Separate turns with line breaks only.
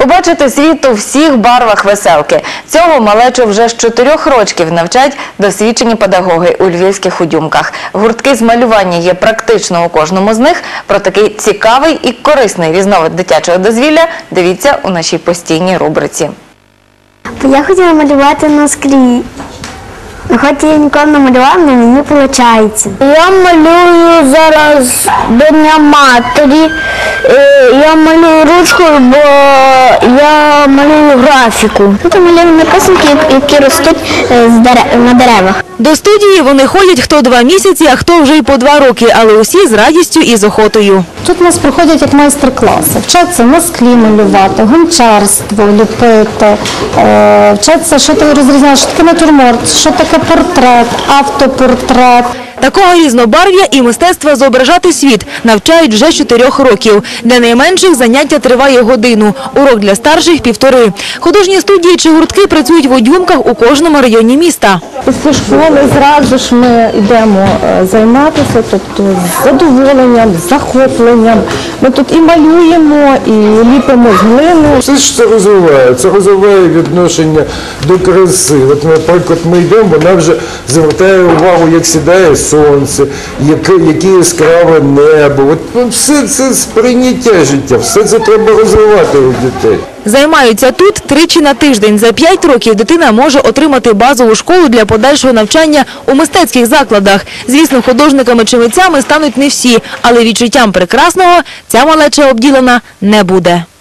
Побачити світ у всіх барвах веселки. Цього малечу вже з 4 років навчать досвідчені педагоги у львівських Удюмках. Гуртки з малювання є практично у кожному з них. Про такий цікавий і корисний різновид дитячого дозвілля дивіться у нашій постійній рубриці.
Я хотіла малювати на склі. Хоч я ніколи не малювала, але мені виходить. Я малюю зараз до Дня Матері. Я малюю ручкою, бо я малюю графіку. Тут малюю написанки, які ростуть на деревах.
До студії вони ходять хто 2 місяці, а хто вже й по 2 роки, але усі з радістю і з охотою.
Тут у нас проходять як майстер-класи. Вчаться на склі малювати, гончарство ліпити, вчаться, що таке розрізняти, що таке натюрморт, що таке портрет, автопортрет.
Такого різнобарв'я і мистецтва зображати світ навчають вже з 4 років. Для найменших заняття триває годину, урок для старших – 1,5. Художні студії чи гуртки працюють в Удюмках у кожному районі міста.
Після школи зразу ж ми йдемо займатися, тобто з задоволенням, з захопленням. Ми тут і малюємо, і ліпимо з глини.
Все ж це розвиває відношення до краси. От, наприклад, ми йдемо, вона вже звертає увагу, як сідає сонце, яке яскраве небо. От все це сприйняття життя, все це треба розвивати у дітей.
Займаються тут 3 на тиждень. За 5 років дитина може отримати базову школу для подальшого навчання у мистецьких закладах. Звісно, художниками чи митцями стануть не всі, але відчуттям прекрасного ця малеча обділена не буде.